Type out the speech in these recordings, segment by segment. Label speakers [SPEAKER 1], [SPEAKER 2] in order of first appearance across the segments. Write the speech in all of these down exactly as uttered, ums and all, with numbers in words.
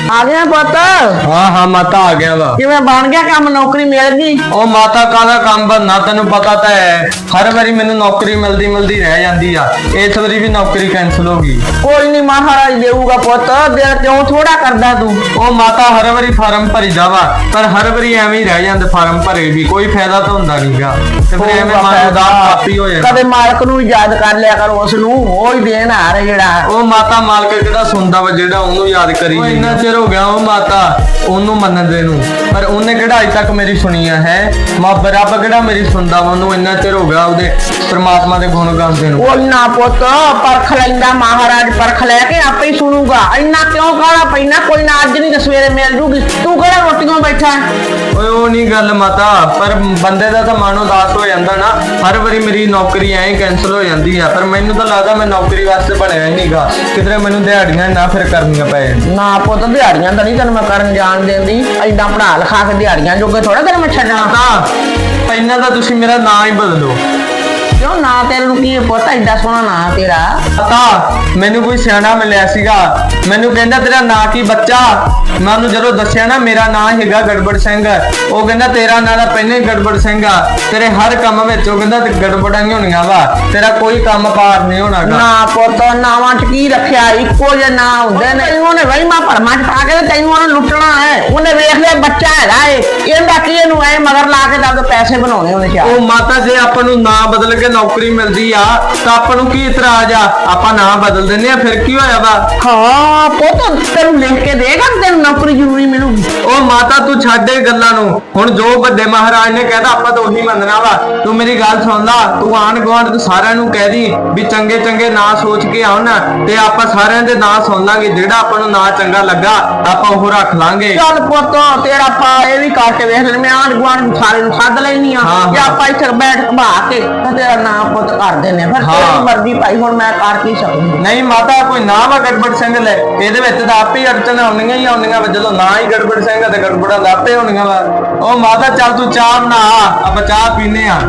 [SPEAKER 1] आ गया पुत?
[SPEAKER 2] हाँ हाँ माता आ गया वा।
[SPEAKER 1] किवें बन गया काम, नौकरी मिल गई?
[SPEAKER 2] ओ माता काहदा काम बनना, तेनू पता तो है हर बारी मैनू नौकरी मिलदी मिलदी रह जांदी आ। इस बारी भी नौकरी कैंसिल हो गई।
[SPEAKER 1] कोई नहीं, महाराज देऊगा पुत, दिल क्यों थोड़ा करदा तू?
[SPEAKER 2] ओ माता हर बारी फार्म भरी जावा, पर हर बारी एवें ही रह जांदे फार्म भरे भी, कोई फायदा तो हुंदा नहींगा। ते फिर एवें मन उदास काफी हो जांदा।
[SPEAKER 1] कदे मालक नूं याद कर लिया कर, उस नूं ओ ही देन आ रहा जेड़ा।
[SPEAKER 2] ओ माता मालक किहड़ा सुनदा वा जेड़ा ओनू याद करी। इन्ना चिर हो गया ओ माता ओनू मनदे नूं, पर ओने किहड़ा अज तक मेरी सुनी है। मां रब किहड़ा मेरी सुनदा वा, ओनू इन्ना चिर हो गया ओदे परमात्मा दे गुण गांदे नूं।
[SPEAKER 1] ओ ना पुत, परख लैंदा महाराज, परख लैके आपे ही सुनूगा। इन्ना क्यों काला पैना? कोई ना अज नहीं तो सवेरे मिल जूगी। तू किहड़ा रोटियों बैठा?
[SPEAKER 2] ओए ओ नहीं गल माता, पर बंदे दा तां मन उदास हो जांदा ना। हर वारी मेरी नौकरी ऐ कैंसिल हो जांदी है, पर मैनू तां लगदा मैं नौकरी वास्ते बनया ही नहींगा। किधरे मैनू दिहाड़ियां ना फिर करनियां पै जाण।
[SPEAKER 1] ना पुत, दिहाड़ियां तो नहीं तेन मैं करन जान देंदी। इदां पढ़ा लिखा के दिहाड़ियां जोगे थोड़ा तेन मैं छड्डना।
[SPEAKER 2] माता पहिना तां तुसीं मेरा नाम ही बदलो।
[SPEAKER 1] क्यों ना तेरे नूं की पुत, एडा सोहना ना तेरा?
[SPEAKER 2] माता मैनू कोई सियाणा मिलिया सीगा, मैनू कहंदा तेरा नां की बच्चा? मैं ਉਹਨੂੰ ਜਦੋਂ ਦੱਸਿਆ ਨਾ ਮੇਰਾ ਨਾਂ ਹੈਗਾ ਗੜਬੜ ਸਿੰਘ, ਉਹ ਕਹਿੰਦਾ ਤੇਰਾ ਨਾਂ ਤਾਂ ਪਹਿਲਾਂ ਹੀ ਗੜਬੜ ਸਿੰਘ ਆ, ਤੇਰੇ ਹਰ ਕੰਮ ਵਿੱਚ ਉਹ ਕਹਿੰਦਾ ਗੜਬੜਾਂ ਹੀ ਹੋਣੀਆਂ ਵਾ, ਤੇਰਾ ਕੋਈ ਕੰਮ ਪਾਰ ਨਹੀਂ ਹੋਣਾਗਾ।
[SPEAKER 1] ਨਾ ਪੁੱਤ, ਨਾਵਾਂ ਚ ਕੀ ਰੱਖਿਆ? ਇੱਕੋ ਜਿਹੇ ਨਾਂ ਹੁੰਦੇ ਨੇ। ਉਹਨੇ ਵਹਿਮਾਂ ਭਰਮਾਂ ਚ ਪਾ ਕੇ ਤੈਨੂੰ ਉਹਨੇ ਲੁੱਟਣਾ ਹੈ। ਉਹਨੇ ਵੇਖ ਲਿਆ ਬੱਚਾ ਹੈਗਾ ਏ, ਇਹਦਾ ਕੀ ਇਹਨੂੰ ਐ ਮਗਰ ਲਾ ਕੇ ਤਾਂ ਪੈਸੇ ਬਣਾਉਣੇ ਉਹਨੇ ਚਾਹ।
[SPEAKER 2] ਉਹ ਮਾਤਾ ਜੇ ਆਪਾਂ ਨੂੰ ਨਾਂ ਬਦਲ ਕੇ ਨੌਕਰੀ ਮਿਲਦੀ ਆ ਤਾਂ ਆਪਾਂ ਨੂੰ ਕੀ ਇਤਰਾਜ਼ ਆ? ਆਪਾਂ ਨਾਂ ਬਦਲ ਦਿੰਦੇ ਆ, ਫਿਰ ਕੀ ਹੋਇਆ ਵਾ?
[SPEAKER 1] ਹਾਂ ਪੁੱਤ, ਤੈਨੂੰ ਲਿਖ ਕੇ ਦੇਗਾ ਤੈਨੂੰ ਨੌਕਰੀ ਜ਼ਰੂਰੀ ਮਿਲੂਗੀ।
[SPEAKER 2] ਉਹ ਮਾਤਾ ਤੂੰ ਛੱਡ ਇਹ ਗੱਲਾਂ ਨੂੰ, ਹੁਣ ਜੋ ਵੱਡੇ ਮਹਾਰਾਜ ਨੇ ਕਹਿਦਾ ਆਪਾਂ ਤਾਂ ਉਹੀ ਮੰਨਣਾ ਵਾ। ਤੂੰ ਮੇਰੀ ਗੱਲ ਸੁਣ ਲਾ, ਤੂੰ ਆਂਢ ਗੁਆਂਢ ਤੂੰ ਸਾਰਿਆਂ ਨੂੰ ਕਹਿ ਦੀ ਵੀ ਚੰਗੇ ਚੰਗੇ ਨਾਂ ਸੋਚ ਕੇ ਆਉਣ, ਤੇ ਆਪਾਂ ਸਾਰਿਆਂ ਦੇ ਨਾਂ ਸੁਣ ਲਾਂਗੇ। ਜਿਹੜਾ ਆਪਾਂ ਨੂੰ ਨਾਂ ਚੰਗਾ ਲੱਗਾ ਆਪਾਂ ਉਹ ਰੱਖ ਲਾਂਗੇ।
[SPEAKER 1] ਚੱਲ ਪੁੱਤ, ਤੇਰਾ ਪਾ ਇਹ ਵੀ ਕਰਕੇ ਵੇਖ ਲੈ, ਮੈਂ ਆਂਢ ਗੁਆਂਢ ਸਾਰੇ ਨੂੰ ਸੱਦ ਲੈਣੀ ਆ, ਜਾਂ ਆਪਾਂ ਇੱਥੇ ਬੈਠ ਕੇ ਬਹਾ ਕੇ ਤੇ ਤੇਰਾ ਨਾਂ ਪੁੱਤ ਕਰ ਦਿੰਨੇ। ਫਿਰ ਤੇਰੀ ਮਰਜ਼ੀ ਭਾਈ, ਹੁਣ ਮੈਂ ਕਰ ਕੀ ਸਕਦੀ?
[SPEAKER 2] ਨਹੀਂ ਮਾਤਾ, ਕੋਈ ਨਾਂ ਵਾ ਗੜਬੜ ਸਿੰਘ ਲੈ, ਇਹਦੇ ਵਿੱਚ ਤਾਂ ਆਪੇ ਹੀ ਅੜਚਣ ਆਉਣੀਆਂ ਹੀ ਆਉਣੀਆਂ ਵਾ। ਜਦੋਂ ਨਾਂ ਹੀ ਗੜਬੜ ਸਿੰਘ ਤੇ ਗੜਬੜਾਂ ਤਾਂ ਆਪੇ ਹੋਣੀਆਂ ਵਾ। ਉਹ ਮਾਤਾ ਚੱਲ ਤੂੰ ਚਾਹ ਬਣਾ, ਆਪਾਂ ਚਾਹ ਪੀਨੇ ਆ।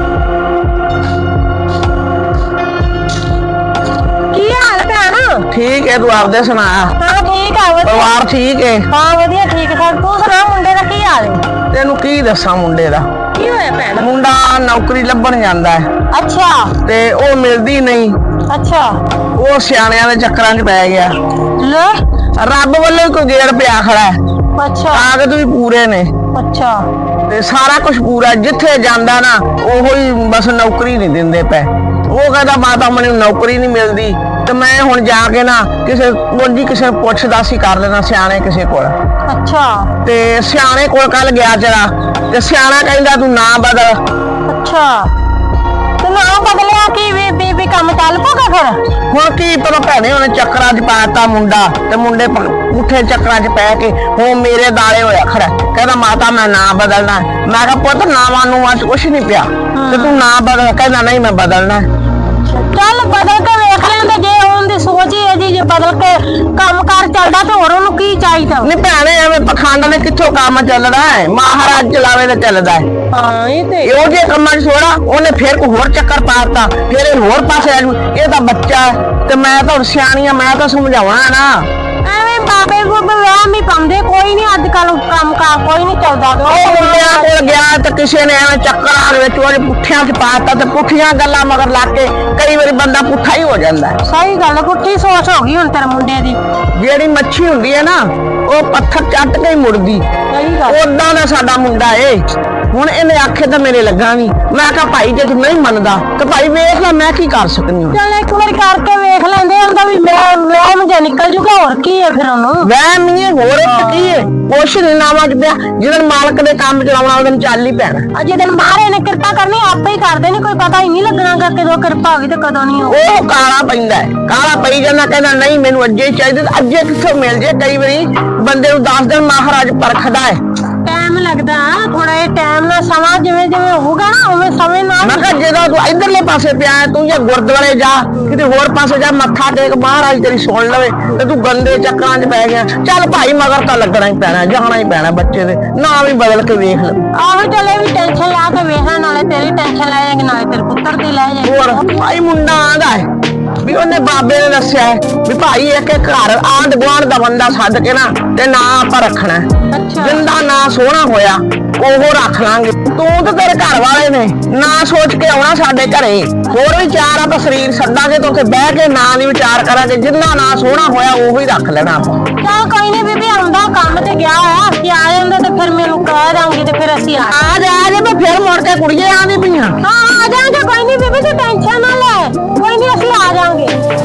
[SPEAKER 3] ਕੀ ਹਾਲ ਭੈਣ?
[SPEAKER 1] ਠੀਕ ਹੈ, ਤੂੰ ਆਪਦੇ ਸੁਣਾ।
[SPEAKER 3] ਹਾਂ ਠੀਕ ਆ, ਵਧੀਆ।
[SPEAKER 1] ਪਰਿਵਾਰ ਠੀਕ ਹੈ?
[SPEAKER 3] ਹਾਂ ਵਧੀਆ, ਠੀਕ ਠਾਕ। ਤੂੰ ਸੁਣਾ, ਮੁੰਡੇ ਦਾ ਕੀ ਹਾਲ ਹੈ?
[SPEAKER 1] ਤੈਨੂੰ ਕੀ ਦੱਸਾਂ ਮੁੰਡੇ ਦਾ?
[SPEAKER 3] ਕੀ ਹੋਇਆ ਭੈਣ?
[SPEAKER 1] ਮੁੰਡਾ ਨੌਕਰੀ ਲੱਭਣ ਜਾਂਦਾ ਹੈ
[SPEAKER 3] ਅੱਛਾ
[SPEAKER 1] ਤੇ ਉਹ ਮਿਲਦੀ ਨਹੀਂ।
[SPEAKER 3] ਅੱਛਾ,
[SPEAKER 1] ਉਹ ਸਿਆਣਿਆਂ ਦੇ ਚੱਕਰਾਂ 'ਚ ਪੈ ਗਿਆ।
[SPEAKER 3] ਲੈ
[SPEAKER 1] ਰੱਬ ਵੱਲੋਂ ਹੀ ਕੋਈ ਗੇੜ ਪਿਆ ਖੜਾ ਹੈ।
[SPEAKER 3] ਅੱਛਾ
[SPEAKER 1] ਕਾਗਜ਼ ਵੀ ਪੂਰੇ ਨੇ
[SPEAKER 3] ਅੱਛਾ
[SPEAKER 1] ਤੇ ਸਾਰਾ ਕੁਝ ਪੂਰਾ। ਜਿੱਥੇ ਜਾਂਦਾ ਨਾ ਉਹੋ ਹੀ ਬਸ ਨੌਕਰੀ ਨਹੀਂ ਦਿੰਦੇ ਪਏ। ਉਹ ਕਹਿੰਦਾ ਮਾਤਾ ਮੈਨੂੰ ਨੌਕਰੀ ਨਹੀਂ ਮਿਲਦੀ, ਤੇ ਮੈਂ ਹੁਣ ਜਾ ਕੇ ਨਾ ਕਿਸੇ ਕੋਲ ਕਿਸੇ ਨੂੰ ਪੁੱਛਦਾ ਸੀ ਕਰ ਲੈਣਾ, ਸਿਆਣੇ ਕਿਸੇ ਕੋਲ।
[SPEAKER 3] ਅੱਛਾ
[SPEAKER 1] ਤੇ ਸਿਆਣੇ ਕੋਲ ਕੱਲ ਗਿਆ ਜਰਾ, ਤੇ ਸਿਆਣਾ ਕਹਿੰਦਾ ਤੂੰ ਨਾ ਬਦਲ।
[SPEAKER 3] ਅੱਛਾ, ਤੇ ਨਾ ਬਦਲਿਆ ਕੀ ਵੀ ਵੀ ਵੀ ਕੰਮ ਚੱਲ ਪਊਗਾ ਫਿਰ?
[SPEAKER 1] ਹੁਣ ਕੀ ਪਤਾ ਭੈਣੇ, ਉਹਨੇ ਚੱਕਰਾਂ 'ਚ ਪਾਤਾ ਮੁੰਡਾ, ਤੇ ਮੁੰਡੇ ਪੁੱਠੇ ਚੱਕਰਾਂ 'ਚ ਪੈ ਕੇ ਹੁਣ ਮੇਰੇ ਦਾਲੇ ਹੋਇਆ ਖੜਾ। ਕਹਿੰਦਾ ਮਾਤਾ ਮੈਂ ਨਾ ਬਦਲਣਾ। ਮੈਂ ਕਿਹਾ ਪੁੱਤ ਨਾਵਾਂ ਨੂੰ ਅੱਜ ਕੁਛ ਨਹੀਂ ਪਿਆ, ਤੇ ਤੂੰ ਨਾ ਬਦਲ। ਕਹਿੰਦਾ ਨਹੀਂ ਮੈਂ ਬਦਲਣਾ।
[SPEAKER 3] ਚੱਲ ਬਦਲ ਕੇ ਵੇਖ ਲੈਂਦੇ, ਜੇ ਉਹਦੀ ਸੋਚ ਹੀ ਹੈ ਜੀ ਜੇ ਬਦਲ ਕੇ ਕੰਮ ਕਾਰ ਚੱਲਦਾ ਤੇ ਹੋਰ ਉਹਨੂੰ ਕੀ ਚਾਹੀਦਾ?
[SPEAKER 1] ਨਹੀਂ ਭੈਣੇ, ਐਵੇਂ ਪਖੰਡ ਨੇ ਕਿੱਥੋਂ ਕੰਮ ਚੱਲਦਾ ਹੈ? ਮਹਾਰਾਜ ਚਲਾਵੇ ਤੇ ਚੱਲਦਾ ਹੈ।
[SPEAKER 3] ਹਾਂ ਇਹ ਤੇ
[SPEAKER 1] ਇਹੋ ਜਿਹੇ ਕੰਮਾਂ 'ਚ ਥੋੜਾ ਉਹਨੇ ਫੇਰ ਕੋਈ ਹੋਰ ਚੱਕਰ ਪਾਤਾ, ਫੇਰ ਇਹ ਹੋਰ ਪਾਸੇ ਆ ਜੂ। ਇਹ ਤਾਂ ਬੱਚਾ ਤੇ ਮੈਂ ਤਾਂ ਸਿਆਣੀ ਆ, ਮੈਂ ਤਾਂ ਸਮਝਾਉਣਾ ਨਾ।
[SPEAKER 3] ਐਵੇਂ ਬਾਬੇ ਗੋਬੇ ਵਹਿਮ ਹੀ ਪਾਉਂਦੇ, ਕੋਈ ਨਹੀਂ ਅੱਜ ਕੱਲ ਕੰਮ ਕਾਰ ਕੋਈ ਨਹੀਂ ਚੱਲਦਾ।
[SPEAKER 1] ਉਹ ਮੁੰਡਿਆਂ ਕੋਲ ਗਿਆ ਤੇ ਕਿਸੇ ਨੇ ਐਵੇਂ ਚੱਕਰਾਂ ਦੇ ਵਿੱਚ ਉਹਦੇ ਪੁੱਠਿਆਂ 'ਚ ਪਾਤਾ, ਤੇ ਪੁੱਠੀਆਂ ਗੱਲਾਂ ਮਗਰ ਲੱਗ ਕੇ ਕਈ ਵਾਰੀ ਬੰਦਾ ਪੁੱਠਾ ਹੀ ਹੋ ਜਾਂਦਾ।
[SPEAKER 3] ਸਹੀ ਗੱਲ, ਪੁੱਠੀ ਸੋਚ ਹੋ ਗਈ ਹੁਣ ਤੇਰੇ ਮੁੰਡੇ ਦੀ।
[SPEAKER 1] ਜਿਹੜੀ ਮੱਛੀ ਹੁੰਦੀ ਹੈ ਨਾ, ਉਹ ਪੱਥਰ ਚੱਟ ਕੇ ਹੀ ਮੁੜਦੀ।
[SPEAKER 3] ਸਹੀ ਗੱਲ,
[SPEAKER 1] ਉਦਾਂ ਦਾ ਸਾਡਾ ਮੁੰਡਾ ਏ। ਹੁਣ ਇਹਨੇ ਆਖੇ ਤਾਂ ਮੇਰੇ ਲੱਗਾ ਨਹੀਂ। ਮੈਂ ਕਿਹਾ ਭਾਈ ਜੇ ਤੂੰ ਨਹੀਂ ਮੰਨਦਾ ਤੇ ਭਾਈ ਵੇਖ ਲੈ, ਮੈਂ ਕੀ ਕਰ ਸਕਦੀ ਹਾਂ।
[SPEAKER 3] ਚੱਲ ਇੱਕ ਵਾਰੀ ਕਰਕੇ ਵੇਖ ਲੈਂਦੇ, ਹੁੰਦਾ ਵੀ ਮੈਂ ਵਹਿਮ ਜੇ ਨਿਕਲ ਜੂਗਾ, ਹੋਰ ਕੀ ਹੈ ਫਿਰ ਉਹਨੂੰ?
[SPEAKER 1] ਵਹਿਮ ਨਹੀਂ ਹੈ, ਹੋਰ ਇੱਕ ਕੀ ਹੈ? ਕੁਛ ਨੀ ਨਾਵਾਂ 'ਚ ਪਿਆ। ਜਦੋਂ ਮਾਲਕ ਦੇ ਕੰਮ ਚਲਾਉਣਾ ਉਹਦੇ ਚੱਲ ਹੀ ਪੈਣਾ।
[SPEAKER 3] ਅਜੇ ਦਿਨ ਮਾਰੇ ਨੇ ਕਿਰਪਾ ਕਰਨੀ, ਆਪੇ ਹੀ ਕਰਦੇ ਨੇ, ਕੋਈ ਪਤਾ ਹੀ ਨਹੀਂ ਲੱਗਣਾ ਕਿ ਕਦੋਂ ਕਿਰਪਾ ਹੋਗੀ ਤੇ ਕਦੋਂ ਨਹੀਂ ਹੋਗੀ।
[SPEAKER 1] ਉਹ ਕਾਲਾ ਪੈਂਦਾ ਹੈ, ਕਾਲਾ ਪਈ ਜਾਂਦਾ, ਕਹਿੰਦਾ ਨਹੀਂ ਮੈਨੂੰ ਅੱਜੇ ਹੀ ਚਾਹੀਦਾ। ਅੱਜੇ ਕਿੱਥੋਂ ਮਿਲ ਜੇ? ਕਈ ਵਾਰੀ ਬੰਦੇ ਨੂੰ ਦਸ ਦਿਨ ਮਹਾਰਾਜ ਪਰਖਦਾ ਹੈ।
[SPEAKER 3] ਟਾਈਮ ਲੱਗਦਾ ਥੋੜਾ ਜਿਹਾ, ਟਾਈਮ ਨਾਲ ਸਮਾਂ ਜਿਵੇਂ ਜਿਵੇਂ ਹੋਊਗਾ ਨਾ ਉਵੇਂ ਸਮੇਂ ਨਾਲ।
[SPEAKER 1] ਮੈਂ ਕਿਹਾ ਜਦੋਂ ਤੂੰ ਇਧਰਲੇ ਪਾਸੇ ਪਿਆ ਤੂੰ ਜੇ ਗੁਰਦੁਆਰੇ ਜਾ, ਕਿਤੇ ਹੋਰ ਪਾਸੇ ਜਾ, ਮੱਥਾ ਟੇਕ, ਮਹਾਰਾਜ ਤੇਰੀ ਸੁਣ ਲਵੇ, ਤੇ ਤੂੰ ਗੰਦੇ ਚੱਕਰਾਂ 'ਚ ਪੈ ਗਿਆ। ਚੱਲ ਭਾਈ ਮਗਰ ਤਾਂ ਲੱਗਣਾ ਹੀ ਪੈਣਾ, ਜਾਣਾ ਹੀ ਪੈਣਾ ਬੱਚੇ ਦੇ। ਨਾ ਵੀ ਬਦਲ ਕੇ ਵੇਖ ਲੈ।
[SPEAKER 3] ਆਹੋ ਚੱਲ ਇਹ ਵੀ ਟੈਨਸ਼ਨ ਲਾ ਕੇ ਵੇਖਣਾ, ਨਾਲੇ ਤੇਰੀ ਟੈਨਸ਼ਨ ਲੈ ਜਾਏਗੀ, ਨਾਲੇ ਤੇਰੇ ਪੁੱਤਰ ਦੀ ਲੈ ਜਾਏਗੀ।
[SPEAKER 1] ਹੋਰ ਭਾਈ ਮੁੰਡਾ ਆਂਦਾ ਹੈ ਵੀ ਉਹਨੇ ਬਾਬੇ ਨੇ ਦੱਸਿਆ ਹੈ ਵੀ ਭਾਈ ਇੱਕ ਇੱਕ ਘਰ ਆਂਢ ਗੁਆਂਢ ਦਾ ਬੰਦਾ ਸੱਦ ਕੇ ਨਾ ਤੇ ਨਾਂ ਆਪਾਂ ਰੱਖਣਾ ਹੈ।
[SPEAKER 3] ਅੱਛਾ
[SPEAKER 1] ਜਿੰਦਾ ਨਾਂ ਸੋਹਣਾ ਹੋਇਆ ਉਹ ਰੱਖ ਲਾਂਗੇ। ਤੂੰ ਤੇ ਤੇਰੇ ਘਰ ਵਾਲੇ ਨੇ ਨਾਂ ਸੋਚ ਕੇ ਆਉਣਾ ਸਾਡੇ ਘਰੇ। ਹੋਰ ਵੀ ਚਾਰ ਆਪਾਂ ਸਰੀਰ ਸੱਦਾਂਗੇ ਤੇ ਉੱਥੇ ਬਹਿ ਕੇ ਨਾਂ ਦੀ ਵਿਚਾਰ ਕਰਾਂਗੇ। ਜਿੰਦਾ ਨਾਂ ਸੋਹਣਾ ਹੋਇਆ ਉਹੀ ਰੱਖ ਲੈਣਾ ਆਪਾਂ।
[SPEAKER 3] ਚੱਲ ਕੋਈ ਨਹੀਂ ਬੀਬੀ, ਆਉਂਦਾ ਕੰਮ ਤੇ ਗਿਆ ਹੋਇਆ, ਅਸੀਂ ਆ ਜਾਂਦੇ ਤੇ ਫਿਰ ਮੈਨੂੰ ਕਹਿ ਦਾਂਗੀ ਤੇ ਫਿਰ ਅਸੀਂ ਆ
[SPEAKER 1] ਆ ਜਾ ਆ ਜਾ ਮੈਂ ਫਿਰ ਮੁੜ ਕੇ ਕੁੜੀਏ ਆਂਦੀ ਪਈਆਂ।
[SPEAKER 3] ਹਾਂ ਆ ਜਾਾਂਗੇ, ਕੋਈ ਨਹੀਂ ਬੀਬੀ ਤੂੰ ਟੈਨਸ਼ਨ ਨਾ ਲੈ, ਕੋਈ ਨਹੀਂ ਅਸੀਂ ਆ ਜਾਾਂਗੇ।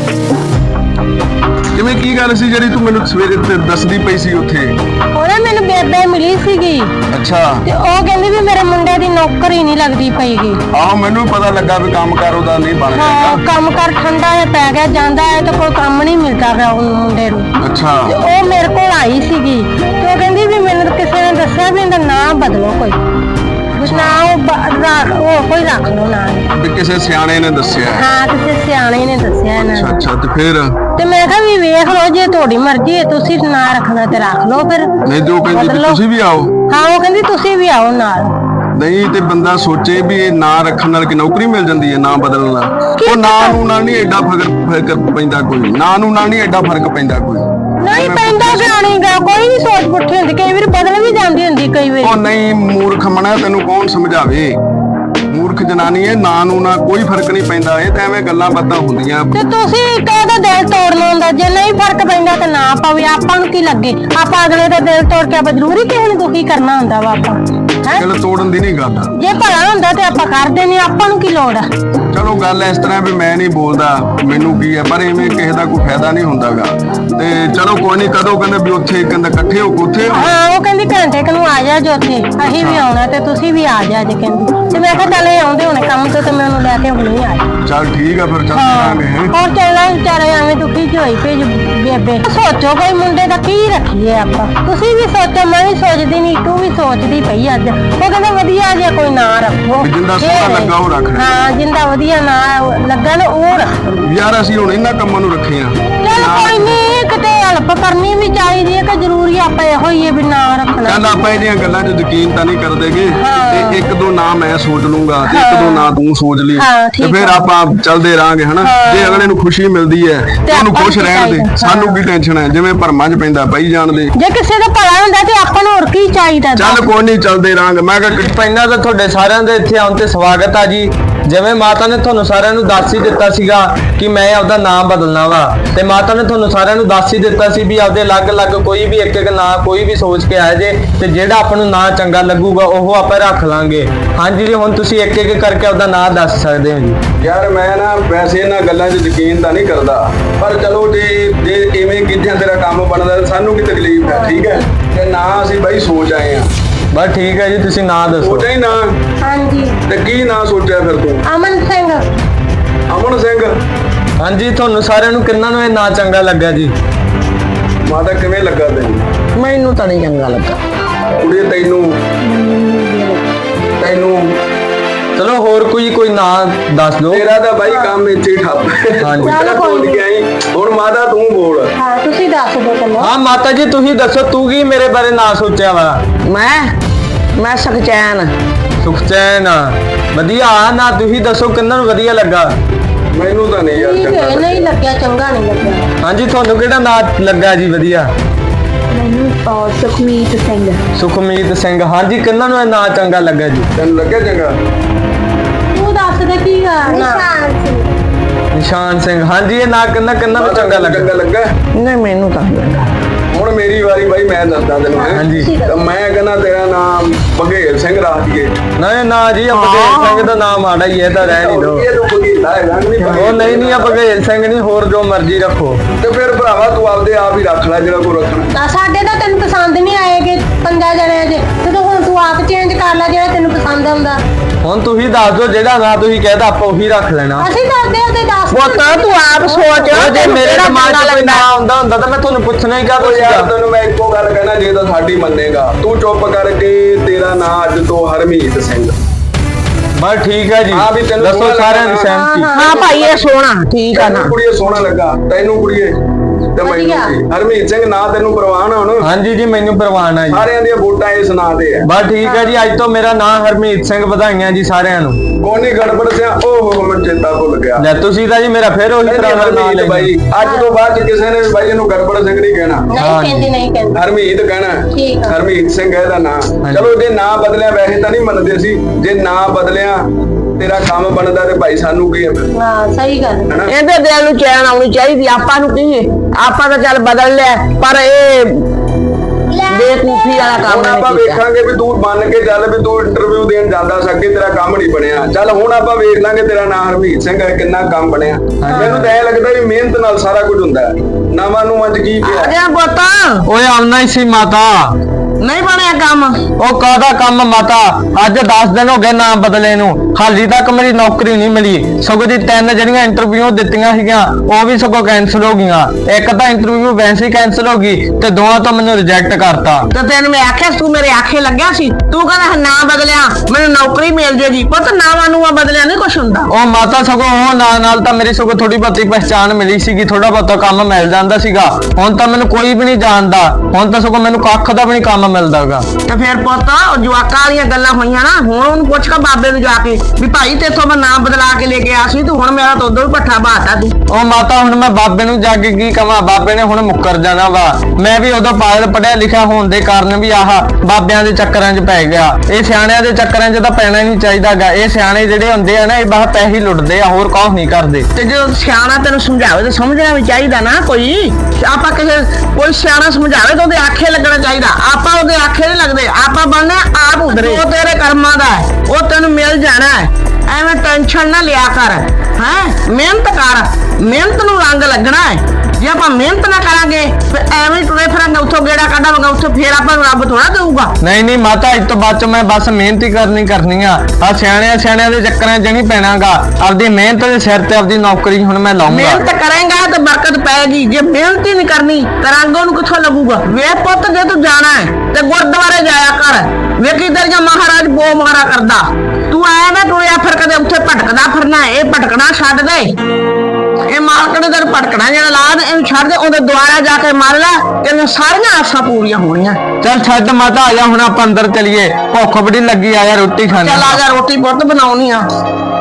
[SPEAKER 4] ਕਿਵੇਂ ਕੀ ਗੱਲ ਸੀ ਜਿਹੜੀ ਤੂੰ ਮੈਨੂੰ ਸਵੇਰੇ ਤੇ ਦੱਸਦੀ ਪਈ ਸੀ ਉੱਥੇ?
[SPEAKER 3] ਉਹਨੇ ਮੈਨੂੰ ਬੇਬੇ ਮਿਲੀ ਸੀਗੀ
[SPEAKER 4] ਅੱਛਾ।
[SPEAKER 3] ਤੇ ਉਹ ਕਹਿੰਦੀ ਵੀ ਮੇਰੇ ਮੁੰਡੇ ਦੀ ਨੌਕਰੀ ਨਹੀਂ ਲੱਗਦੀ ਪਈਗੀ।
[SPEAKER 4] ਆਹੋ ਮੈਨੂੰ ਵੀ ਪਤਾ ਲੱਗਾ ਵੀ ਕੰਮਕਾਰ ਉਹਦਾ ਨਹੀਂ ਬਣ
[SPEAKER 3] ਹਾਂ
[SPEAKER 4] ਰਿਹਾ।
[SPEAKER 3] ਕੰਮ ਕਰ ਠੰਡਾ ਜਿਹਾ ਪੈ ਗਿਆ, ਜਾਂਦਾ ਹੈ ਤਾਂ ਕੋਈ ਕੰਮ ਨਹੀਂ ਮਿਲਦਾ ਪਿਆ ਉਹ ਮੁੰਡੇ ਨੂੰ।
[SPEAKER 4] ਅੱਛਾ
[SPEAKER 3] ਤੇ ਉਹ ਮੇਰੇ ਕੋਲ ਆਈ ਸੀਗੀ ਤੇ ਉਹ ਕਹਿੰਦੀ ਵੀ ਮੈਨੂੰ ਕਿਸੇ ਨੇ ਦੱਸਿਆ ਵੀ ਇਹਦਾ ਨਾਂ ਬਦਲੋ, ਕੋਈ ਵੀ ਨਾਂ ਉਹ ਬ- ਰੱਖ ਉਹ ਕੋਈ ਰੱਖ ਲਓ ਨਾਂ।
[SPEAKER 4] ਵੀ ਕਿਸੇ ਸਿਆਣੇ ਨੇ ਦੱਸਿਆ ਹੈ।
[SPEAKER 3] ਹਾਂ ਕਿਸੇ ਸਿਆਣੇ ਨੇ ਦੱਸਿਆ ਇਹਨਾਂ
[SPEAKER 4] ਅੱਛਾ
[SPEAKER 3] ਨੂੰ।
[SPEAKER 4] ਅੱਛਾ ਤੇ ਫਿਰ
[SPEAKER 3] ਤੇ ਮੈਂ ਕਿਹਾ ਵੀ ਵੇਖ ਲਓ, ਜੇ ਤੁਹਾਡੀ ਮਰਜ਼ੀ ਹੈ ਤੁਸੀਂ ਨਾਂ ਰੱਖਣਾ ਤੇ ਰੱਖ ਲਓ ਫਿਰ।
[SPEAKER 4] ਨਹੀਂ ਜੋ ਕਹਿੰਦੀ ਵੀ
[SPEAKER 3] ਬਦਲੋ।
[SPEAKER 4] ਤੁਸੀਂ ਵੀ ਆਓ।
[SPEAKER 3] ਹਾਂ ਉਹ ਕਹਿੰਦੀ ਤੁਸੀਂ ਵੀ ਆਓ ਨਾਲ।
[SPEAKER 4] ਨਹੀਂ ਤੇ ਬੰਦਾ ਸੋਚੇ ਵੀ ਇਹ ਨਾਂ ਰੱਖਣ ਨਾਲ ਕਿ ਨੌਕਰੀ ਮਿਲ ਜਾਂਦੀ ਹੈ ਨਾਂ ਬਦਲਣ ਨਾਲ। ਉਹ ਨਾਂ ਨੂੰ ਨਾਲ ਨਹੀਂ ਐਡਾ ਫਰਕ ਫਰਕ ਪੈਂਦਾ ਕੋਈ। ਨਾਂ ਨੂੰ ਨਾਲ ਨਹੀਂ ਐਡਾ ਫਰਕ ਪੈਂਦਾ ਕੋਈ।
[SPEAKER 3] ਨਹੀਂ ਪੈਂਦਾ ਜਾਣੀ ਗਾ, ਕੋਈ ਵੀ ਸੋਚ ਪੁੱਠੀ ਹੁੰਦੀ, ਕਈ ਵਾਰ ਬਦਲ ਵੀ ਜਾਂਦੀ ਹੁੰਦੀ ਕਈ ਵਾਰ।
[SPEAKER 4] ਉਹ ਨਹੀਂ ਮੂਰਖ ਮਣਾ, ਤੈਨੂੰ ਕੌਣ ਸਮਝਾਵੇ? ਮੂਰਖ ਜਨਾਨੀ ਹੈ, ਨਾਂ ਨੂੰ ਨਾ ਕੋਈ ਫਰਕ ਨਹੀਂ ਪੈਂਦਾ। ਇਹ ਤਾਂ ਐਵੇਂ ਗੱਲਾਂ ਬਾਤਾਂ ਹੁੰਦੀਆਂ।
[SPEAKER 3] ਤੇ ਤੁਸੀਂ ਕਹਦਾ ਦਿਲ ਤੋੜਨਾ ਹੁੰਦਾ, ਜੇ ਨਹੀਂ ਫਰਕ ਪੈਂਦਾ ਤਾਂ ਨਾ ਪਾਵੇ, ਆਪਾਂ ਨੂੰ ਕੀ ਲੱਗੇ? ਆਪਾਂ ਅਗਲੇ ਦਾ ਦਿਲ ਤੋੜ ਕੇ ਆਪਾਂ ਜ਼ਰੂਰੀ ਕਿਸੇ ਨੂੰ ਦੁਖੀ ਕਰਨਾ ਹੁੰਦਾ ਵਾ ਆਪਾਂ ਹੈਂ?
[SPEAKER 4] ਗੱਲ ਤੋੜਨ ਦੀ ਨਹੀਂ ਗੱਲ।
[SPEAKER 3] ਜੇ ਭਲਾ ਹੁੰਦਾ ਤੇ ਆਪਾਂ ਕਰਦੇ ਨਹੀਂ, ਆਪਾਂ ਨੂੰ ਕੀ ਲੋੜ ਆ?
[SPEAKER 4] ਚਲੋ ਗੱਲ ਇਸ ਤਰ੍ਹਾਂ ਵੀ ਮੈਂ ਨਹੀਂ ਬੋਲਦਾ, ਮੈਨੂੰ ਕੀ ਹੈ, ਪਰ ਐਵੇਂ ਕਿਸੇ ਦਾ ਕੋਈ ਫਾਇਦਾ ਨਹੀਂ ਹੁੰਦਾਗਾ। ਤੇ ਚਲੋ ਕੋਈ ਨਹੀਂ, ਕਦੋਂ ਕਹਿੰਦੇ ਵੀ ਉੱਥੇ ਕਹਿੰਦਾ ਇਕੱਠੇ ਹੋ ਉੱਥੇ ਹੋ।
[SPEAKER 3] ਹਾਂ ਉਹ ਕਹਿੰਦੀ ਘੰਟੇ ਕੁ ਨੂੰ ਆ ਜਾ ਜੋ ਉੱਥੇ, ਅਸੀਂ ਵੀ ਆਉਣਾ ਤੇ ਤੁਸੀਂ ਵੀ ਆ ਜਾ ਜੇ ਕਹਿੰਦੀ। ਤੇ ਮੈਂ ਕਿਹਾ ਚੱਲ ਇਹ ਆਉਂਦੇ ਹੋਣੇ ਕੰਮ ਤੋਂ ਤੇ ਮੈਂ ਉਹਨੂੰ ਲੈ ਕੇ ਹੁਣੇ ਆ ਜਾ।
[SPEAKER 4] ਚੱਲ ਠੀਕ ਆ ਫਿਰ ਚੱਲ ਕਰਾਂਗੇ ਹੈਂ।
[SPEAKER 3] ਹੋਰ ਚੱਲਣਾ ਵਿਚਾਰੇ ਐਵੇਂ ਦੁਖੀ ਜਿਹੀ ਹੋਈ ਭੇਜ ਬੇਬੇ। ਸੋਚੋ ਕੋਈ ਮੁੰਡੇ ਦਾ ਕੀ ਰੱਖੀਏ ਆਪਾਂ, ਤੁਸੀਂ ਵੀ ਸੋਚੋ, ਮੈਂ ਵੀ ਸੋਚਦੀ ਨਹੀਂ, ਤੂੰ ਵੀ ਸੋਚਦੀ ਪਈ ਅੱਜ। ਉਹ ਕਹਿੰਦਾ ਵਧੀਆ ਜਿਹਾ ਕੋਈ ਨਾਂ ਰੱਖੋ,
[SPEAKER 4] ਵੀ ਜਿੰਦਾ ਸੋਹਣਾ
[SPEAKER 3] ਇਹ-
[SPEAKER 4] ਲੱਗਾ ਉਹ ਰੱਖ ਲੈ।
[SPEAKER 3] ਹਾਂ ਜਿੰਦਾ ਵਧੀਆ ਨਾਂ ਲੱਗਾ ਨਾ ਉਹ ਰੱਖੋ।
[SPEAKER 4] ਯਾਰ ਅਸੀਂ ਹੁਣ ਇਹਨਾਂ ਕੰਮਾਂ ਨੂੰ ਰੱਖੇ ਆ।
[SPEAKER 3] ਚੱਲ ਕੋਈ ਨਹੀਂ, ਕਿਤੇ ਹੈਲਪ ਕਰਨੀ ਵੀ ਚਾਹੀਦੀ ਹੈ ਕਿ ਜ਼ਰੂਰੀ ਆਪਾਂ ਇਹੋ ਹੀ ਹੈ ਵੀ ਨਾਂ ਰੱਖਣਾ।
[SPEAKER 4] ਚੱਲ ਆਪਾਂ ਇਹਦੀਆਂ ਗੱਲਾਂ 'ਚ ਯਕੀਨ ਤਾਂ ਨਹੀਂ ਕਰਦੇਗੇ।
[SPEAKER 3] ਹਾਂ।
[SPEAKER 4] ਤੇ ਇੱਕ ਦੋ ਨਾਂ ਮੈਂ ਸੋਚ ਲੂੰਗਾ ਤੇ ਇੱਕ ਦੋ ਨਾਂ ਤੂੰ ਸੋਚ ਲਈ।
[SPEAKER 3] ਹਾਂ,
[SPEAKER 4] ਤੇ
[SPEAKER 3] ਠੀਕ
[SPEAKER 4] ਫਿਰ
[SPEAKER 3] ਆ।
[SPEAKER 4] ਆਪਾਂ ਚੱਲਦੇ ਰਹਾਂਗੇ ਹਨਾ।
[SPEAKER 3] ਹਾਂ।
[SPEAKER 4] ਜੇ ਅਗਲੇ ਨੂੰ ਖੁਸ਼ੀ ਮਿਲਦੀ ਹੈ ਤੇ ਉਹਨੂੰ
[SPEAKER 3] ਆਪਾਂ
[SPEAKER 4] ਖੁਸ਼
[SPEAKER 3] ਨੂੰ
[SPEAKER 4] ਰਹਿਣ ਦੇ।
[SPEAKER 3] ਚਾਹੀਦਾ।
[SPEAKER 4] ਸਾਨੂੰ
[SPEAKER 3] ਹਾਂ।
[SPEAKER 4] ਕੀ ਟੈਨਸ਼ਨ ਹੈ, ਜਿਵੇਂ ਭਰਮਾਂ 'ਚ ਪੈਂਦਾ ਪਈ ਜਾਣ ਦੇ।
[SPEAKER 3] ਜੇ ਕਿਸੇ ਦਾ ਭਲਾ ਹੁੰਦਾ ਤੇ ਆਪਾਂ ਨੂੰ ਹੋਰ ਕੀ ਚਾਹੀਦਾ?
[SPEAKER 4] ਚੱਲ ਕੋਈ ਨਹੀਂ, ਚੱਲਦੇ ਰਹਾਂਗੇ। ਮੈਂ ਕਿਹਾ ਕਿ-
[SPEAKER 2] ਪਹਿਲਾਂ ਤਾਂ ਤੁਹਾਡੇ ਸਾਰਿਆਂ ਦੇ ਇੱਥੇ ਆਉਣ ਤੇ ਸਵਾਗਤ ਆ ਜੀ। ਜਿਵੇਂ ਮਾਤਾ ਨੇ ਤੁਹਾਨੂੰ ਸਾਰਿਆਂ ਨੂੰ ਦੱਸ ਹੀ ਦਿੱਤਾ ਸੀਗਾ ਕਿ ਮੈਂ ਆਪਦਾ ਨਾਮ ਬਦਲਣਾ ਵਾ, ਤੇ ਮਾਤਾ ਨੇ ਤੁਹਾਨੂੰ ਸਾਰਿਆਂ ਨੂੰ ਦੱਸ ਹੀ ਦਿੱਤਾ ਸੀ ਵੀ ਆਪਦੇ ਅਲੱਗ-ਅਲੱਗ ਕੋਈ ਵੀ ਇੱਕ ਇੱਕ ਨਾਂ ਕੋਈ ਵੀ ਸੋਚ ਕੇ ਆਏ ਜੇ, ਤੇ ਜਿਹੜਾ ਆਪਾਂ ਨੂੰ ਨਾਂ ਚੰਗਾ ਲੱਗੂਗਾ ਉਹ ਆਪਾਂ ਰੱਖ ਲਾਂਗੇ। ਹਾਂਜੀ ਜੀ, ਹੁਣ ਤੁਸੀਂ ਇੱਕ ਇੱਕ ਕਰਕੇ ਆਪਦਾ ਨਾਂ ਦੱਸ ਸਕਦੇ ਹੋ ਜੀ।
[SPEAKER 4] ਯਾਰ ਮੈਂ ਨਾ ਵੈਸੇ ਇਹਨਾਂ ਗੱਲਾਂ 'ਚ ਯਕੀਨ ਤਾਂ ਨਹੀਂ ਕਰਦਾ, ਪਰ ਚਲੋ ਜੇ ਜੇ ਇਵੇਂ ਕਿੱਥੇ ਤੇਰਾ ਕੰਮ ਬਣਦਾ ਤਾਂ ਸਾਨੂੰ ਕੀ ਤਕਲੀਫ ਹੈ, ਠੀਕ ਹੈ। ਤੇ ਨਾ ਅਸੀਂ ਬਾਈ ਸੋਚ ਆਏ ਆ।
[SPEAKER 2] ਬਸ ਠੀਕ ਹੈ ਜੀ, ਤੁਸੀਂ ਨਾਂ ਦੱਸੋ।
[SPEAKER 4] ਸੋਚਿਆ ਹੀ ਨਾ।
[SPEAKER 3] ਹਾਂਜੀ
[SPEAKER 4] ਤੇ ਕੀ ਨਾਂ ਸੋਚਿਆ ਫਿਰ ਤੂੰ?
[SPEAKER 3] ਅਮਨ ਸਿੰਘ।
[SPEAKER 4] ਅਮਨ ਸਿੰਘ।
[SPEAKER 2] ਹਾਂਜੀ, ਤੁਹਾਨੂੰ ਸਾਰਿਆਂ ਨੂੰ ਕਿੰਨਾਂ ਨੂੰ ਇਹ ਨਾਂ ਚੰਗਾ ਲੱਗਾ ਜੀ?
[SPEAKER 4] ਮਾਤਾ ਕਿਵੇਂ ਲੱਗਾ ਤੈਨੂੰ?
[SPEAKER 1] ਮੈਨੂੰ ਤਾਂ ਨਹੀਂ ਚੰਗਾ ਲੱਗਾ।
[SPEAKER 4] ਕੁੜੀ ਤੈਨੂੰ ਤੈਨੂੰ
[SPEAKER 2] ਚਲੋ ਹੋਰ ਕੋਈ ਕੋਈ ਨਾਂ ਦੱਸ ਦਿਓ।
[SPEAKER 4] ਤੇਰਾ ਤਾਂ ਬਾਈ ਕੰਮ ਇੱਥੇ ਹੀ ਠੱਪ ਹੈ।
[SPEAKER 2] ਹਾਂਜੀ।
[SPEAKER 4] ਚੱਲ ਕੋਈ ਨਹੀਂ, ਹੁਣ ਮਾਤਾ ਤੂੰ ਬੋਲ।
[SPEAKER 3] ਹਾਂ ਤੁਸੀਂ ਦੱਸ ਦਿਓ ਚਲੋ।
[SPEAKER 2] ਹਾਂ ਮਾਤਾ ਜੀ, ਤੁਸੀਂ ਦੱਸੋ, ਤੂੰ ਕੀ ਮੇਰੇ ਬਾਰੇ ਨਾਂ ਸੋਚਿਆ ਵਾ?
[SPEAKER 1] ਮੈਂ ਮੈਂ ਸੁਖਚੈਨ।
[SPEAKER 2] ਸੁਖਚੈਨ, ਵਧੀਆ ਨਾ। ਤੁਸੀਂ ਦੱਸੋ ਕਿੰਨਾਂ ਨੂੰ ਵਧੀਆ ਲੱਗਾ?
[SPEAKER 4] ਮੈਨੂੰ ਤਾਂ ਨਹੀਂ ਯਾਰ
[SPEAKER 3] ਠੀਕ
[SPEAKER 4] ਚੰਗਾ
[SPEAKER 3] ਹੈ,
[SPEAKER 4] ਲੱਗਿਆ।
[SPEAKER 3] ਨਹੀਂ ਲੱਗਿਆ, ਚੰਗਾ ਨਹੀਂ ਲੱਗਿਆ।
[SPEAKER 2] ਹਾਂਜੀ, ਤੁਹਾਨੂੰ ਕਿਹੜਾ ਨਾਂ ਲੱਗਾ ਜੀ ਵਧੀਆ?
[SPEAKER 3] ਮੈਨੂੰ ਸੁਖਮੀਤ ਸਿੰਘ।
[SPEAKER 2] ਸੁਖਮੀਤ ਸਿੰਘ। ਹਾਂਜੀ, ਕਿੰਨਾਂ ਨੂੰ ਇਹ ਨਾਂ ਚੰਗਾ ਲੱਗਾ ਜੀ?
[SPEAKER 4] ਤੈਨੂੰ ਲੱਗਿਆ ਚੰਗਾ?
[SPEAKER 3] ਤੂੰ ਦੱਸ ਦੇ ਕੀ ਕਰਨਾ।
[SPEAKER 2] ਨਿਸ਼ਾਨ ਸਿੰਘ। ਹਾਂਜੀ, ਇਹ ਨਾਂ ਕਿੰਨਾ ਕਿੰਨਾਂ ਨੂੰ ਚੰਗਾ ਲੱਗਾ?
[SPEAKER 4] ਚੰਗਾ ਲੱਗਾ।
[SPEAKER 1] ਨਹੀਂ ਮੈਨੂੰ ਤਾਂ ਨਹੀਂ ਲੱਗਾ।
[SPEAKER 4] ਹੁਣ ਮੇਰੀ ਵਾਰੀ ਬਾਈ, ਮੈਂ ਦੱਸਦਾ ਤੈਨੂੰ ਹੈਂ।
[SPEAKER 2] ਹਾਂਜੀ।
[SPEAKER 4] ਤਾਂ ਮੈਂ ਕਹਿੰਦਾ ਤੇਰਾ ਨਾਮ ਬਘੇਲ ਸਿੰਘ ਰੱਖ ਦਈਏ।
[SPEAKER 2] ਨਹੀਂ ਨਾ ਜੀ, ਬਘੇਲ ਸਿੰਘ ਦਾ ਨਾਮ ਮਾੜਾ ਹੀ ਹੈ, ਤਾਂ ਰਹਿ ਨਹੀਂ ਦੋ।
[SPEAKER 4] ਇਹ ਤੂੰ ਬਘੇਲਾ ਹੈਗਾ ਨਹੀਂ
[SPEAKER 2] ਉਹ ਨਹੀਂ ਨਹੀਂ, ਬਘੇਲ ਸਿੰਘ ਨਹੀਂ, ਹੋਰ ਜੋ ਮਰਜ਼ੀ ਰੱਖੋ।
[SPEAKER 4] ਤੇ ਫਿਰ ਭਰਾਵਾ ਤੂੰ ਆਪਦੇ ਆਪ ਹੀ ਰੱਖ ਲੈ ਜਿਹੜਾ ਕੋ ਰੱਖਣਾ।
[SPEAKER 3] ਤਾਂ ਸਾਡੇ ਤਾਂ ਤੈਨੂੰ ਪਸੰਦ ਨਹੀਂ ਆਏਗੇ ਪੰਜਾਂ ਜਣਿਆਂ 'ਚ, ਤੇ ਤੂੰ ਹੁਣ ਤੂੰ ਆਪ ਚੇਂਜ ਕਰ ਲੈ ਜਿਹੜਾ ਤੈਨੂੰ ਪਸੰਦ ਆਉਂਦਾ।
[SPEAKER 2] ਹੁਣ ਤੁਸੀਂ ਦੱਸ ਦਿਓ, ਜਿਹੜਾ ਨਾਂ ਤੁਸੀਂ ਕਹਿਦਾ ਆਪਾਂ ਉਹੀ ਰੱਖ ਲੈਣਾ।
[SPEAKER 3] ਅਸੀਂ ਦੱਸਦੇ ਹਾਂ ਤੇ ਦੱਸ।
[SPEAKER 1] ਪੁੱਤ ਤੂੰ ਆਪ ਸੋਚ।
[SPEAKER 2] ਉਹ ਜੇ
[SPEAKER 1] ਤੈਨੂੰ
[SPEAKER 2] ਮੇਰੇ
[SPEAKER 1] ਕਿਹੜਾ
[SPEAKER 2] ਦਿਮਾਗ 'ਚ
[SPEAKER 1] ਚੰਗਾ
[SPEAKER 2] ਕੋਈ
[SPEAKER 1] ਲੱਗਦਾ?
[SPEAKER 2] ਨਾਂ ਆਉਂਦਾ ਹੁੰਦਾ ਤਾਂ ਮੈਂ ਤੁਹਾਨੂੰ ਪੁੱਛਣਾ ਹੀ ਕਾਹਤੋਂ
[SPEAKER 4] ਉਹ ਯਾਰ
[SPEAKER 2] ਸੀਗਾ।
[SPEAKER 4] ਤੈਨੂੰ ਮੈਂ ਇੱਕੋ ਗੱਲ ਕਹਿਣਾ, ਜੇ ਤਾਂ ਸਾਡੀ ਮੰਨੇਗਾ ਤੂੰ ਚੁੱਪ ਕਰਕੇ ਤੇਰਾ ਨਾਂ ਅੱਜ ਤੋਂ ਹਰਮੀਤ ਸਿੰਘ।
[SPEAKER 2] ਬਸ ਠੀਕ ਹੈ ਜੀ,
[SPEAKER 4] ਹਾਂ ਵੀ ਤੈਨੂੰ
[SPEAKER 2] ਦੱਸੋ
[SPEAKER 4] ਸੋਹਣਾ
[SPEAKER 2] ਸਾਰਿਆਂ ਦੀ
[SPEAKER 4] ਲੱਗਾ।
[SPEAKER 2] ਸਹਿਮਤੀ।
[SPEAKER 1] ਹਾਂ ਭਾਈ ਇਹ ਸੋਹਣਾ ਠੀਕ ਆ ਨਾ।
[SPEAKER 4] ਤੈਨੂੰ ਕੁੜੀਏ ਸੋਹਣਾ ਲੱਗਾ, ਤੈਨੂੰ ਕੁੜੀਏ ਤੇ ਮੈਨੂੰ
[SPEAKER 3] ਵਧੀਆ।
[SPEAKER 4] ਕੀ। ਹਰਮੀਤ ਸਿੰਘ ਨਾ ਤੈਨੂੰ ਪ੍ਰਵਾਨ ਹੁਣ
[SPEAKER 2] ਹਾਂਜੀ ਜੀ ਮੈਨੂੰ ਪ੍ਰਵਾਨ ਆ ਜੀ
[SPEAKER 4] ਸਾਰਿਆਂ ਦੀਆਂ ਵੋਟਾਂ ਇਸ ਨਾਂ ਤੇ ਆ
[SPEAKER 2] ਬਸ ਠੀਕ ਹੈ ਜੀ ਅੱਜ ਤੋਂ ਮੇਰਾ ਨਾਮ ਹਰਮੀਤ ਸਿੰਘ ਵਧਾਈਆਂ ਜੀ ਸਾਰਿਆਂ ਨੂੰ
[SPEAKER 4] ਕੋਣੀ ਗੜਬੜ ਸਿਆ ਉਹ ਮੈਨੂੰ ਚੇਤਾ ਭੁੱਲ ਗਿਆ
[SPEAKER 2] ਲੈ ਤੁਸੀਂ ਤਾਂ ਜੀ ਮੇਰਾ ਫਿਰ ਉਹੀ
[SPEAKER 4] ਨਹੀਂ,
[SPEAKER 2] ਪੁਰਾਣਾ ਨਾਮ
[SPEAKER 4] ਹਰਮੀਤ
[SPEAKER 2] ਲੈ
[SPEAKER 4] ਬਾਈ ਅੱਜ ਤੋਂ ਬਾਅਦ 'ਚ ਕਿਸੇ ਨੇ ਵੀ ਬਾਈ ਇਹਨੂੰ ਗੜਬੜ ਸਿੰਘ ਨਹੀਂ ਕਹਿਣਾ
[SPEAKER 3] ਨਹੀਂ ਕਹਿੰਦੀ ਨਹੀਂ ਕਹਿੰਦੀ
[SPEAKER 4] ਹਰਮੀਤ ਕਹਿਣਾ
[SPEAKER 3] ਠੀਕ ਆ।
[SPEAKER 4] ਹਰਮੀਤ ਸਿੰਘ ਹੈ ਇਹਦਾ ਨਾਂ ਚਲੋ ਜੇ ਨਾਂ ਬਦਲਿਆ ਵੈਸੇ ਤਾਂ ਨਹੀਂ ਮੰਨਦੇ ਸੀ ਜੇ ਨਾਂ ਬਦਲਿਆ ਤੇਰਾ ਕੰਮ ਬਣਦਾ ਤੇ ਭਾਈ ਸਾਨੂੰ ਕੀ ਹੈ
[SPEAKER 3] ਹਾਂ ਸਹੀ ਗੱਲ
[SPEAKER 4] ਹਨਾ
[SPEAKER 1] ਇਹਦੇ ਦਿਲ ਨੂੰ ਚੈਨ ਆਉਣੀ ਚਾਹੀਦੀ ਆਪਾਂ ਨੂੰ ਕੀ ਆਪਾਂ ਤਾਂ ਚੱਲ ਬਦਲ ਲਿਆ ਪਰ ਇਹ ਬੇਕੂਫੀ ਵਾਲਾ ਕੰਮ
[SPEAKER 4] ਹੁਣ ਆਪਾਂ
[SPEAKER 1] ਨਹੀਂ ਕੀਤਾ
[SPEAKER 4] ਵੇਖਾਂਗੇ ਵੀ ਤੂੰ ਮੰਨ ਕੇ ਚੱਲ ਵੀ ਤੂੰ ਇੰਟਰਵਿਊ ਦੇਣ ਜਾਂਦਾ ਸੀ ਅੱਗੇ ਤੇਰਾ ਕੰਮ ਨਹੀਂ ਬਣਿਆ ਚੱਲ ਹੁਣ ਆਪਾਂ ਵੇਖ ਲਾਂਗੇ ਤੇਰਾ ਨਾਮ ਹਰਮੀਤ ਸਿੰਘ ਹੈ ਕਿੰਨਾ ਕੰਮ ਬਣਿਆ ਮੈਨੂੰ ਤਾਂ ਇਹ ਲੱਗਦਾ ਵੀ ਮਿਹਨਤ ਨਾਲ ਸਾਰਾ ਕੁਝ ਹੁੰਦਾ ਹੈ ਨਵਾਂ ਨੂੰ ਅੱਜ ਕੀ ਪਿਆ
[SPEAKER 1] ਅਜੇ ਪੁੱਤ
[SPEAKER 2] ਓਏ ਆਉਣਾ ਹੀ ਸੀ ਮਾਤਾ
[SPEAKER 1] ਨਹੀਂ ਬਣਿਆ ਕੰਮ
[SPEAKER 2] ਉਹ ਕਾਹਦਾ ਕੰਮ ਮਾਤਾ ਅੱਜ ਦਸ ਦਿਨ ਹੋ ਗਏ ਨਾਮ ਬਦਲੇ ਨੂੰ ਹਾਲੀ ਤੱਕ ਮੇਰੀ ਨੌਕਰੀ ਨਹੀਂ ਮਿਲੀ ਸਗੋਂ ਦੀ ਤਿੰਨ ਜਿਹੜੀਆਂ ਇੰਟਰਵਿਊ ਦਿੱਤੀਆਂ ਸੀਗੀਆਂ ਉਹ ਵੀ ਸਗੋਂ ਕੈਨਸਲ ਹੋ ਗਈਆਂ ਇੱਕ ਤਾਂ ਇੰਟਰਵਿਊ ਵੈਸੇ ਹੀ ਕੈਨਸਲ ਹੋ ਗਈ ਤੇ ਦੋਵਾਂ ਤੋਂ ਮੈਨੂੰ ਰਿਜੈਕਟ ਕਰਤਾ
[SPEAKER 1] ਤੇ ਤੈਨੂੰ ਮੈਂ ਆਖਿਆ ਸੀ, ਤੂੰ ਮੇਰੇ ਆਖੇ ਲੱਗਿਆ ਸੀ ਤੂੰ ਕਹਿੰਦਾ ਨਾ ਬਦਲਿਆ ਮੈਨੂੰ ਨੌਕਰੀ ਮਿਲ ਜੇਗੀ ਪੁੱਤ ਨਾਵਾਂ ਨੂੰ ਬਦਲਿਆ ਨਹੀਂ ਕੁਛ ਹੁੰਦਾ
[SPEAKER 2] ਉਹ ਮਾਤਾ ਸਗੋਂ ਉਹ ਨਾਲ ਨਾਲ ਤਾਂ ਮੇਰੀ ਸਗੋਂ ਥੋੜੀ ਬਹੁਤੀ ਪਹਿਚਾਣ ਮਿਲੀ ਸੀਗੀ ਥੋੜਾ ਬਹੁਤਾ ਕੰਮ ਮਿਲ ਜਾਂਦਾ ਸੀਗਾ ਹੁਣ ਤਾਂ ਮੈਨੂੰ ਕੋਈ ਵੀ ਨਹੀਂ ਜਾਣਦਾ ਹੁਣ ਤਾਂ ਸਗੋਂ ਮੈਨੂੰ ਕੱਖ ਦਾ ਵੀ ਨਹੀਂ ਕੰਮ ਮਿਲਦਾਗਾ
[SPEAKER 1] ਤੇ ਫਿਰ ਪੁੱਤ ਉਹ ਜਵਾਕਾਂ ਵਾਲੀਆਂ ਗੱਲਾਂ ਹੋਈਆਂ ਨਾ ਹੁਣ ਉਹਨੂੰ ਪੁੱਛ ਕੇ ਬਾਬੇ ਨੂੰ ਜਾ ਕੇ ਵੀ ਭਾਈ ਤੇਥੋਂ ਮੈਂ ਨਾਮ ਬਦਲਾ ਕੇ ਲੈ ਕੇ ਆ ਸੀ ਤੂੰ ਹੁਣ ਮੇਰਾ ਤਾਂ ਉਦੋਂ ਵੀ ਪੱਠਾ ਬਾਤਾ ਤੂੰ
[SPEAKER 2] ਉਹ ਮਾਤਾ ਹੁਣ ਮੈਂ ਬਾਬੇ ਨੂੰ ਜਾ ਕੇ ਕੀ ਕਵਾਂ ਬਾਬੇ ਨੇ ਹੁਣ ਮੁੱਕਰ ਜਾਣਾ ਵਾ ਮੈਂ ਵੀ ਉਦੋਂ ਪਾਗਲ ਪੜਿਆ ਲਿਖਿਆ ਹੋਣ ਦੇ ਕਾਰਨ ਵੀ ਆਹ ਬਾਬਿਆਂ ਦੇ ਚੱਕਰਾਂ 'ਚ ਪੈ ਗਿਆ ਇਹ ਸਿਆਣਿਆਂ ਦੇ ਚੱਕਰਾਂ 'ਚ ਤਾਂ ਪੈਣਾ ਹੀ ਨਹੀਂ ਚਾਹੀਦਾਗਾ ਇਹ ਸਿਆਣੇ ਜਿਹੜੇ ਹੁੰਦੇ ਆ ਨਾ ਇਹ ਬਾਹ ਪੈਸੇ ਲੁੱਟਦੇ ਆ ਹੋਰ ਕੁਛ ਨਹੀਂ ਕਰਦੇ
[SPEAKER 1] ਤੇ ਜਦੋਂ ਸਿਆਣਾ ਤੈਨੂੰ ਸਮਝਾਵੇ ਤੇ ਸਮਝਣਾ ਵੀ ਚਾਹੀਦਾ ਨਾ ਕੋਈ ਆਪਾਂ ਕਿਸੇ ਕੋਈ ਸਿਆਣਾ ਸਮਝਾਵੇ ਤਾਂ ਉਹਦੇ ਆਖੇ ਲੱਗਣਾ ਚਾਹੀਦਾ ਆਪਾਂ ਉਹਦੇ ਆਖੇ ਨਹੀਂ ਲੱਗਦੇ ਆਪਾਂ ਬਣਨਾ ਆਪ ਉਧਰੇ ਉਹ ਤੇਰੇ ਕਰਮਾਂ ਦਾ ਹੈ ਉਹ ਤੈਨੂੰ ਮਿਲ ਜਾਣਾ ਹੈ ਐਵੇਂ ਟੈਨਸ਼ਨ ਨਾ ਲਿਆ ਕਰ ਹੈ ਮਿਹਨਤ ਕਰ ਮਿਹਨਤ ਨੂੰ ਰੰਗ ਲੱਗਣਾ ਹੈ ਜੇ ਆਪਾਂ ਮਿਹਨਤ ਨਾ ਕਰਾਂਗੇ ਫਿਰ ਐਵੇਂ ਹੀ ਤੁਰੇ ਫਿਰਾਂਗੇ ਉੱਥੋਂ ਗੇੜਾ ਕੱਢਾਂਗੇ ਉੱਥੋਂ ਫੇਰ ਆਪਾਂ ਨੂੰ ਰੱਬ ਥੋੜਾ ਦੇਊਗਾ
[SPEAKER 2] ਨਹੀਂ ਨਹੀਂ ਮਾਤਾ ਇਸ ਤੋਂ ਬਾਅਦ ਚ ਮੈਂ ਬਸ ਮਿਹਨਤ ਹੀ ਕਰਨੀ ਕਰਨੀ ਆ ਆ ਸਿਆਣਿਆਂ ਸਿਆਣਿਆਂ ਦੇ ਚੱਕਰਾਂ 'ਚ ਨਹੀਂ ਪੈਣਾਗਾ ਆਪਦੀ ਮਿਹਨਤ ਦੇ ਸਿਰ ਤੇ ਆਪਦੀ ਨੌਕਰੀ ਹੁਣ ਮੈਂ ਲਾਉਂਗਾ
[SPEAKER 1] ਮਿਹਨਤ ਕਰੇਂਗਾ ਤੇ ਬਰਕਤ ਪੈਗੀ ਜੇ ਮਿਹਨਤ ਹੀ ਨਹੀਂ ਕਰਨੀ ਤਾਂ ਰੰਗ ਉਹਨੂੰ ਕਿੱਥੋਂ ਲੱਗੂਗਾ ਵੇ ਪੁੱਤ ਜੇ ਤੂੰ ਜਾਣਾ ਹੈ ਤੇ ਗੁਰਦੁਆਰੇ ਜਾਇਆ ਕਰ ਵੇਖੀ ਤੇਰੀਆਂ ਮਹਾਰਾਜ ਬੋ ਮਾਰਾ ਕਰਦਾ ਤੂੰ ਆਇਆ ਨਾ ਟੁਰਿਆ ਫਿਰ ਕਦੇ ਉੱਥੇ ਭਟਕਦਾ ਫਿਰਨਾ ਇਹ ਭਟਕਣਾ ਛੱਡ ਦੇ ਇਹ ਮਾਲਕ ਨੇ ਤੈਨੂੰ ਭਟਕਣਾ ਜਿਹੜਾ ਲਾ ਦੇ ਇਹਨੂੰ ਛੱਡ ਦੇ ਉਹਦੇ ਦੁਆਰਾ ਜਾ ਕੇ ਮਰ ਲੈ ਤੈਨੂੰ ਸਾਰੀਆਂ ਆਸਾਂ ਪੂਰੀਆਂ ਹੋਣੀਆਂ
[SPEAKER 2] ਚੱਲ ਛੱਡ ਮਾਤਾ ਆ ਜਾ ਹੁਣ ਆਪਾਂ ਅੰਦਰ ਚਲੀਏ ਭੁੱਖ ਬੜੀ ਲੱਗੀ ਆ ਯਾਰ ਰੋਟੀ ਖਾਣੀ
[SPEAKER 1] ਚੱਲ ਆ ਜਾ ਰੋਟੀ ਪੁੱਤ ਬਣਾਉਣੀ ਆ